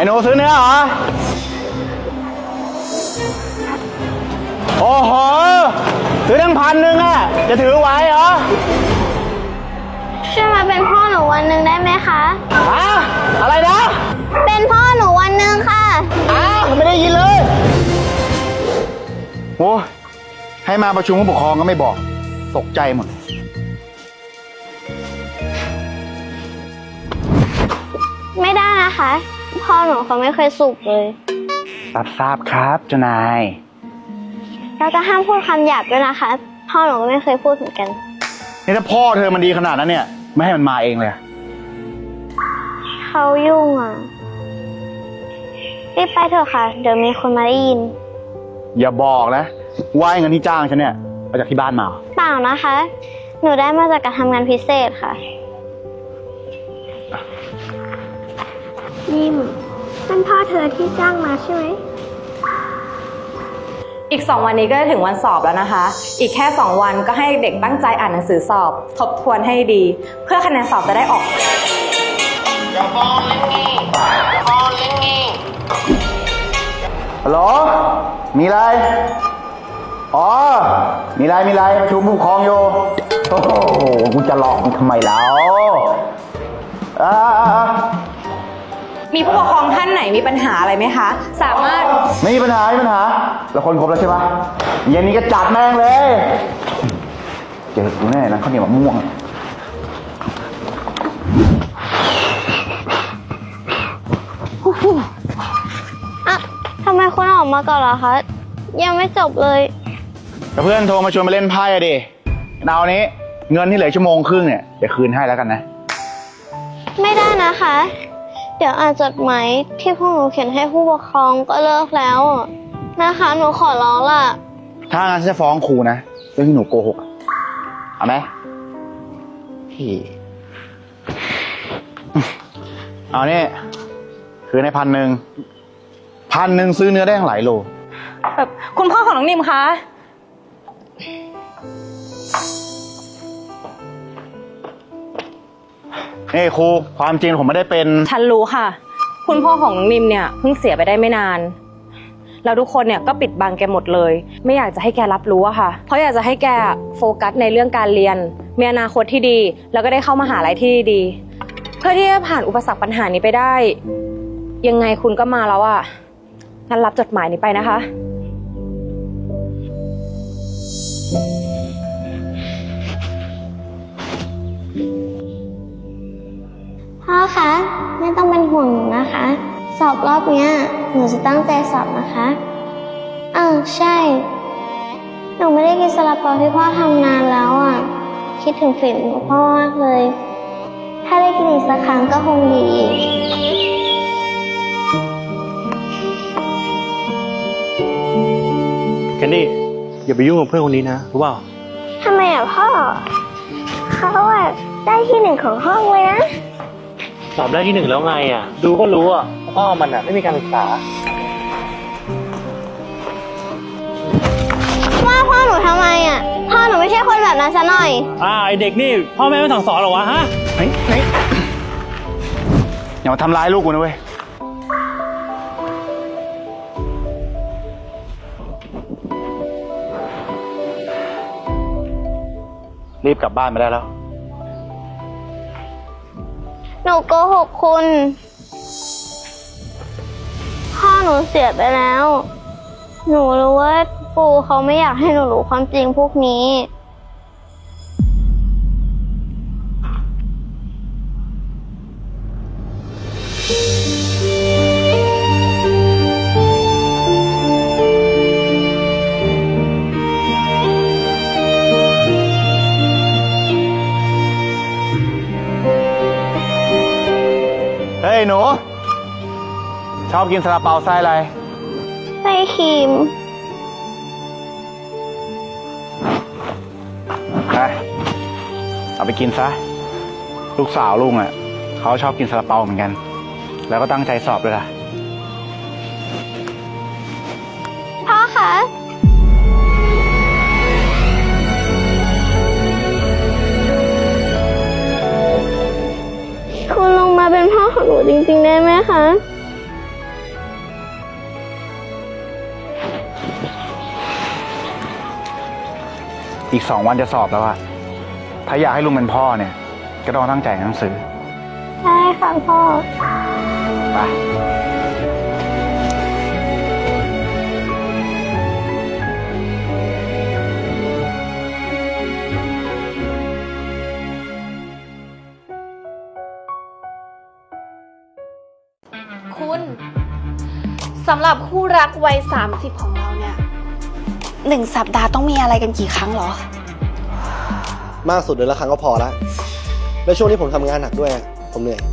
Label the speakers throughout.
Speaker 1: หนูซื้อเนื้อเหรอโอ้โหซื้อตั้ง1,000อ่ะจะถือไหวเหรอ
Speaker 2: ช่วยมาเป็นพ่อหนูวันหนึ่งได้ไหมคะ
Speaker 1: ฮะอะไรนะ
Speaker 2: เป็นพ่อหนูวันหนึ่งค่ะ
Speaker 1: ไม่ได้ยินเลยโอ้ให้มาประชุมผู้ปกครองก็ไม่บอกตกใจหมด
Speaker 2: ไม่ได้นะคะพ่อหนูเขาไม่เคยสูบเลย
Speaker 1: รับทราบครับเจ้านาย
Speaker 2: เราจะห้ามพูดคำหยาบด้วยนะคะพ่อหนูก็ไม่เคยพูดเหมือนกัน
Speaker 1: นี่ถ้าพ่อเธอมันดีขนาดนั้นเนี่ยไม่ให้มันมาเองเลย
Speaker 2: เขายุ่งอ่ะรีบไปเถอะค่ะเดี๋ยวมีคนมาได้ยิน
Speaker 1: อย่าบอกนะว่าเงินที่จ้างฉันเนี่ยมาจากที่บ้านมา
Speaker 2: เปล่านะคะหนูได้มาจากการทำงานพิเศษค่ะนิ่มเป็นพ่อเธอที่จ้างมาใช่ไหม
Speaker 3: อีก2 วันนี้ก็จะถึงวันสอบแล้วนะคะอีกแค่2 วันก็ให้เด็กตั้งใจอ่านหนังสือสอบทบทวนให้ดีเพื่อคะแนนสอบจะได้ออก
Speaker 1: ฮัลโหลมีอะไรอ๋อมีอะไรประชุมผู้ปกครองอยู่โอ้โหกูจะหลอกมึงทำไมแล้ว
Speaker 3: มีผู้ปกครองท่านไหนมีปัญหาอะไรไหมคะสามารถ
Speaker 1: ไม่มีปัญหาเราคนครบแล้วใช่ปะเย็นนี้ก็จัดแม่งเลยเจอกูแน่นะข้าวเหนียวมะม่วง
Speaker 2: ทำไมคุณออกมาก่อนล่ะคะยังไม่จบเลย
Speaker 1: เพื่อนโทรมาชวนมาเล่นไพ่อะดิเอานี้เงินที่เหลือชั่วโมงครึ่งเนี่ยเดี๋ยวคืนให้แล้วกันนะ
Speaker 2: ไม่ได้นะคะเดี๋ยวอ่านจดหมายที่พวกหนูเขียนให้ผู้ปกครองก็เลิกแล้วนะคะหนูขอร้องล่ะ
Speaker 1: ถ้างั้นจะฟ้องครูนะเรื่องที่หนูโกหกเอาไหมพี่เอานี่คืนให้1,000ซื้อเนื้อได้ทั้งหลายโล
Speaker 3: แบบคุณพ่อของน้องนิมคะ
Speaker 1: นี่ครูความจริงผมไม่ได้เป็น
Speaker 3: ฉันรู้ค่ะคุณพ่อของน้องนิมเนี่ยเพิ่งเสียไปได้ไม่นานแล้วทุกคนเนี่ยก็ปิดบังแกหมดเลยไม่อยากจะให้แกรับรู้อะค่ะเพราะอยากจะให้แกโฟกัสในเรื่องการเรียนมีอนาคตที่ดีแล้วก็ได้เข้ามหาลัยที่ดีเพื่อที่จะผ่านอุปสรรคปัญหานี้ไปได้ยังไงคุณก็มาแล้วอะงั้นรับจดหมายนี้ไปนะคะ
Speaker 2: พ่อคะไม่ต้องเป็นห่วงหนูนะคะสอบรอบเนี้ยหนูจะตั้งใจสอบนะคะใช่หนูไม่ได้กินซาลาเปาที่พ่อทำนานแล้วอ่ะคิดถึงฝีมือพ่อมากเลยถ้าได้กินอีกสักครั้งก็คงดี
Speaker 4: แคนดี้อย่าไปยุ่งกับเพื่อนคนนี้นะรู้เปล่า
Speaker 2: ทำไมพ่อเขาได้ที่1ของห้องเลยนะ
Speaker 4: สอบได้ที่1แล้วไงดูก็รู้พ่อมันไม่มีการศึกษา
Speaker 2: ว่าพ่อหนูทำไมพ่อหนูไม่ใช่คนแบบนั้นซะหน่อย
Speaker 4: ไอเด็กนี่พ่อแม่ไม่สั่งสอนหรอวะฮะ
Speaker 1: อย่ามาทำร้ายลูกกูนะเว้ยรีบกลับบ้านมาได้แล้ว
Speaker 2: หนูโกหกคุณพ่อหนูเสียไปแล้วหนูรู้ว่าปู่เขาไม่อยากให้หนูรู้ความจริงพวกนี้
Speaker 1: เฮ้ยหนูชอบกินซาลาเปาไส้อะไร
Speaker 2: ไส้ครีม
Speaker 1: เอาไปกินซะลูกสาวลุงเขาชอบกินซาลาเปาเหมือนกันแล้วก็ตั้งใจสอบด้วยล่ะ
Speaker 2: พ่อคะ คุณลงมาเป็นพ่อของหนูจริงๆได้ไหมคะ
Speaker 1: อีก2 วันจะสอบแล้วอะถ้าอยากให้ลุงเป็นพ่อเนี่ย ก็ต้องตั้งใจอ่านหนังสือ
Speaker 2: ใช่ค่ะพ่อ
Speaker 1: ไป
Speaker 5: คุณสำหรับคู่รักวัย30ของเราเนี่ย1 สัปดาห์ต้องมีอะไรกันกี่ครั้งเหรอ
Speaker 6: มากสุดเดือนละครั้งก็พอละแล้วช่วงนี้ผมทำงานหนักด้วย ผมเหนื่อย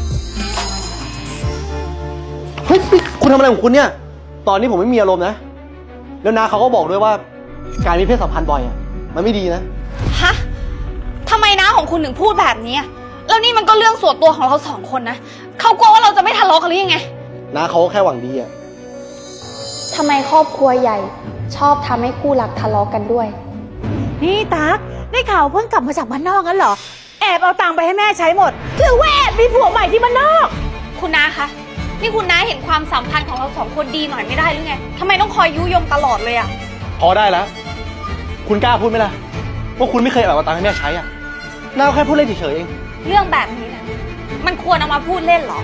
Speaker 6: เฮ้ยนี่คุณทำอะไรของคุณเนี่ย ตอนนี้ผมไม่มีอารมณ์นะ แล้วนาเขาก็บอกด้วยว่าการมีเพศสัมพันธ์บ่อยอ่ะ มันไม่ดีนะ
Speaker 5: ฮะทำไมน้าของคุณถึงพูดแบบนี้อะแล้วนี่มันก็เรื่องส่วนตัวของเรา2 คนนะเขากลัวว่าเราจะไม่ทะเลาะกันหรือยังไง
Speaker 6: นาเขาก็แค่หวังดีอ่ะ
Speaker 5: ทำไมครอบครัวใหญ่ชอบทำให้คู่รักทะเลาะกันด้วย
Speaker 7: นี่ตั๊กได้ข่าวเพิ่งกลับมาจากบ้านนอกงั้นเหรอ แอบเอาตังค์ไปให้แม่ใช้หมดหรือว่าแอบมีผัวใหม่ที่บ้านนอก
Speaker 5: คุณน้าคะนี่คุณน้าเห็นความสัมพันธ์ของเรา2 คนดีหน่อยไม่ได้หรือไงทำไมต้องคอยยุยงตลอดเลยอะ
Speaker 6: พอได้แล้ว คุณกล้าพูดไหมล่ะ ว่าคุณไม่เคยเอาตังค์ให้แม่ใช้อ่ะนาแค่พูดเล่นเฉยๆเอง
Speaker 5: เรื่องแบบนี้นะมันควรเอามาพูดเล่นเหรอ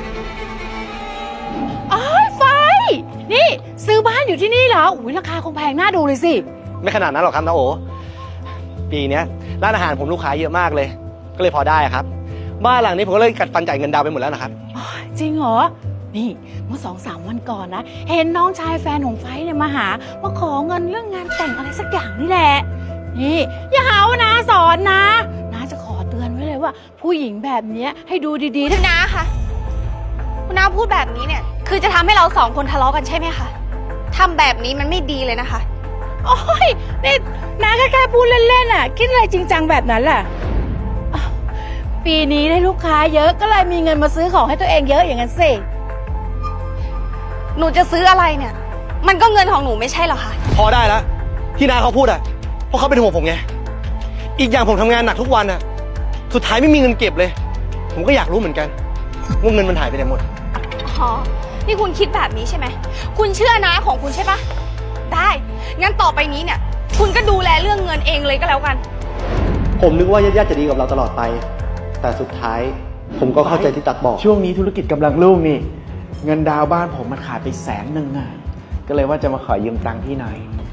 Speaker 7: อ๋อไฟ นี่ซื้อบ้านอยู่ที่นี่เหรอ อุ้ยราคาคงแพงน่าดูเลยสิ
Speaker 6: ไม่ขนาดนั้นหรอกครับนาโอ ปีเนี้ยร้านอาหารผมลูกค้าเยอะมากเลย ก็เลยพอได้ครับ บ้านหลังนี้ผมก็เลยกัดฟันจ่ายเงินดาวน์ไปหมดแล้วนะครับ
Speaker 7: จริงเหรอ นี่เมื่อ2-3 วันก่อนนะ เห็นน้องชายแฟนของไฟเนี่ยมาหามาขอเงินเรื่องงานแต่งอะไรสักอย่างนี่แหละ นี่อย่าหาว่านาสอนนะนาจะขอเตือนไว้เลยว่า ผู้หญิงแบบเนี้ยให้ดูดีๆ
Speaker 5: คุ
Speaker 7: นะ
Speaker 5: ณน้าคะคุณน้าพูดแบบนี้เนี่ย คือจะทำให้เรา2 คนทะเลาะกันใช่ไหมคะทำแบบนี้มันไม่ดีเลยนะคะ
Speaker 7: โอ้ยนี่นาแค่พูดเล่นๆอ่ะ คิดอะไรจริงจังแบบนั้นล่ะอ้าวปีนี้ได้ลูกค้าเยอะก็เลยมีเงินมาซื้อของให้ตัวเองเยอะอย่างนั้นสิ
Speaker 5: หนูจะซื้ออะไรเนี่ย มันก็เงินของหนูไม่ใช่เหรอคะ
Speaker 6: พอได้แล้วที่นาเขาพูดอ่ะเพราะเขาเป็นห่วงผมไง อีกอย่างผมทำงานหนักทุกวันอ่ะ สุดท้ายไม่มีเงินเก็บเลย ผมก็อยากรู้เหมือนกันว่าเงินมันหายไปไหนหมด
Speaker 5: อ๋อ นี่คุณคิดแบบนี้ใช่ไหม คุณเชื่อน้าของคุณใช่ปะได้ งั้นต่อไปนี้เนี่ย คุณก็ดูแลเรื่องเงินเองเลยก็แล้วกัน
Speaker 6: ผมนึกว่าญาติๆจะดีกับเราตลอดไป แต่สุดท้ายผมก็เข้าใจที่ตักบอก
Speaker 8: ช่วงนี้ธุรกิจกำลังรุ่งนี่ เงินดาวน์บ้านผมมันขาดไป100,000อ่ะ ก็เลยว่าจะมาขอยืมตังค์พี่หน่อย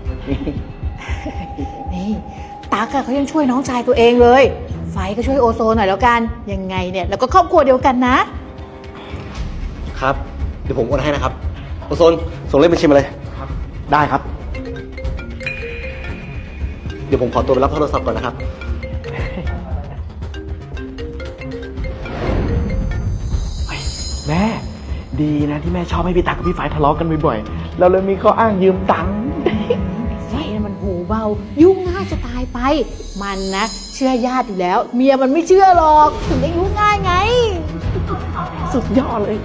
Speaker 7: นี่ตั๊กอะเขายังช่วยน้องชายตัวเองเลย ไฟก็ช่วยโอโซนหน่อยแล้วกัน ยังไงเนี่ยแล้วก็ครอบครัวเดียวกันนะ
Speaker 6: ครับ เดี๋ยวผมโอนให้นะครับโอโซนส่งเลขบัญชีมาเลยครับ ได้ครับ เดี๋ยวผมขอตัวไปรับโทรศัพท์ก่อนนะครับ
Speaker 8: แม่ดีนะที่แม่ชอบให้พี่ตักกับพี่ฝ่ายทะเลาะกันบ่อยๆ เราเลยมีข้ออ้างยืมตังค์
Speaker 7: ไฟน่ะมันหูเบา ยุ่งง่ายจะตายไป มันนะเชื่อญาติอยู่แล้ว เมียมันไม่เชื่อหรอกถึงได้ยุ่งง่ายไง
Speaker 8: สุดยอดเลย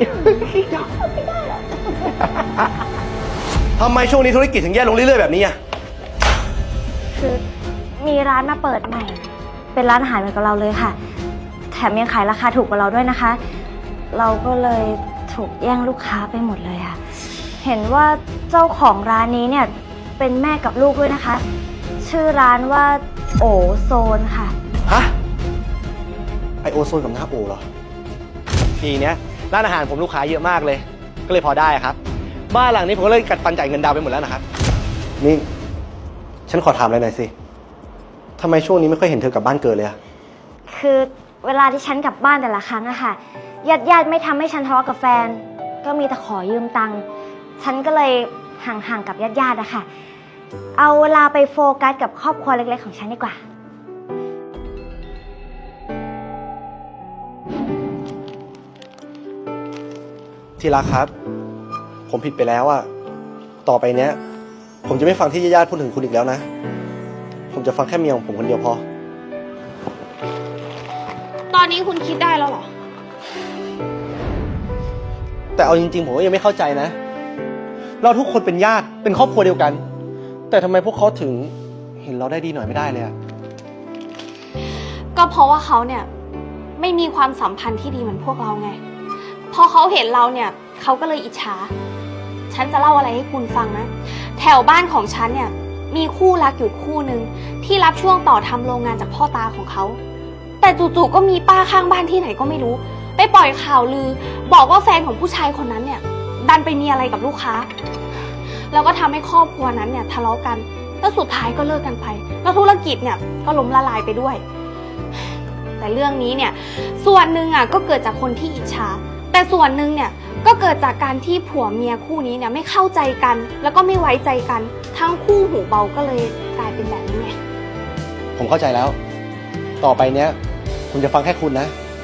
Speaker 6: ทำไมช่วงนี้ธุรกิจถึงแย่ลงเรื่อยๆแบบนี้อ่ะ
Speaker 2: คือมีร้านมาเปิดใหม่ เป็นร้านอาหารเหมือนกับเราเลยค่ะ แถมยังขายราคาถูกกว่าเราด้วยนะคะ เราก็เลยถูกแย่งลูกค้าไปหมดเลยค่ะ เห็นว่าเจ้าของร้านนี้เนี่ยเป็นแม่กับลูกด้วยนะคะ ชื่อร้านว่าโอโซนค่ะ
Speaker 6: ฮะ ไอโอโซนกับหน้าโอเหรอ ปีเนี้ยร้านอาหารผมลูกค้าเยอะมากเลย ก็เลยพอได้ครับ บ้านหลังนี้ผมก็เลยกัดฟันจ่ายเงินดาวน์ไปหมดแล้วนะครับ นี่ ฉันขอถามอะไรหน่อยสิทำไมช่วงนี้ไม่ค่อยเห็นเธอกลับบ้านเกิดเลยอะ
Speaker 2: คือเวลาที่ฉันกลับบ้านแต่ละครั้งอะค่ะญาติไม่ทำให้ฉันทะเลาะกับแฟน ก็มีแต่ขอยืมตังค์ฉันก็เลยห่างๆกับญาติอะค่ะ เอาเวลาไปโฟกัสกับครอบครัวเล็กๆของฉันดีกว่า
Speaker 6: ที่รักครับ ผมผิดไปแล้วอะต่อไปเนี้ย ผมจะไม่ฟังที่ญาติๆพูดถึงคุณอีกแล้วนะ ผมจะฟังแค่เมียของผมคนเดียวพอ
Speaker 5: ตอนนี้คุณคิดได้แล้วเหรอ
Speaker 6: แต่เอาจริงๆผมก็ยังไม่เข้าใจนะ เราทุกคนเป็นญาติ เป็นครอบครัวเดียวกัน แต่ทำไมพวกเขาถึงเห็นเราได้ดีหน่อยไม่ได้เลยอะ
Speaker 5: ก็เพราะว่าเขาเนี่ยไม่มีความสัมพันธ์ที่ดีเหมือนพวกเราไง พอเขาเห็นเราเนี่ยเขาก็เลยอิจฉา ฉันจะเล่าอะไรให้คุณฟังนะ แถวบ้านของฉันเนี่ยมีคู่รักอยู่คู่หนึ่งที่รับช่วงต่อทำโรงงานจากพ่อตาของเขา แต่จู่ๆก็มีป้าข้างบ้านที่ไหนก็ไม่รู้ ไปปล่อยข่าวลือ บอกว่าแฟนของผู้ชายคนนั้นเนี่ย ดันไปมีอะไรกับลูกค้า แล้วก็ทำให้ครอบครัวนั้นเนี่ยทะเลาะกัน แล้วสุดท้ายก็เลิกกันไป แล้วธุรกิจเนี่ยก็ล้มละลายไปด้วย แต่เรื่องนี้เนี่ยส่วนหนึ่งอ่ะก็เกิดจากคนที่อิจฉา แต่ส่วนหนึ่งเนี่ยก็เกิดจากการที่ผัวเมียคู่นี้เนี่ยไม่เข้าใจกัน แล้วก็ไม่ไว้ใจกัน ทั้งคู่หูเบาก็เลยกลายเป็นแบบนี้ไง
Speaker 6: ผมเข้าใจแล้ว ต่อไปเนี้ยผมจะฟังแค่คุณนะ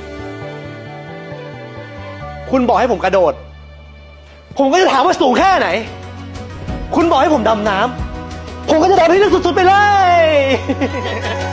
Speaker 6: คุณบอกให้ผมกระโดด ผมก็จะถามว่าสูงแค่ไหน คุณบอกให้ผมดำน้ำ ผมก็จะดำให้ลึกสุดๆไปเลย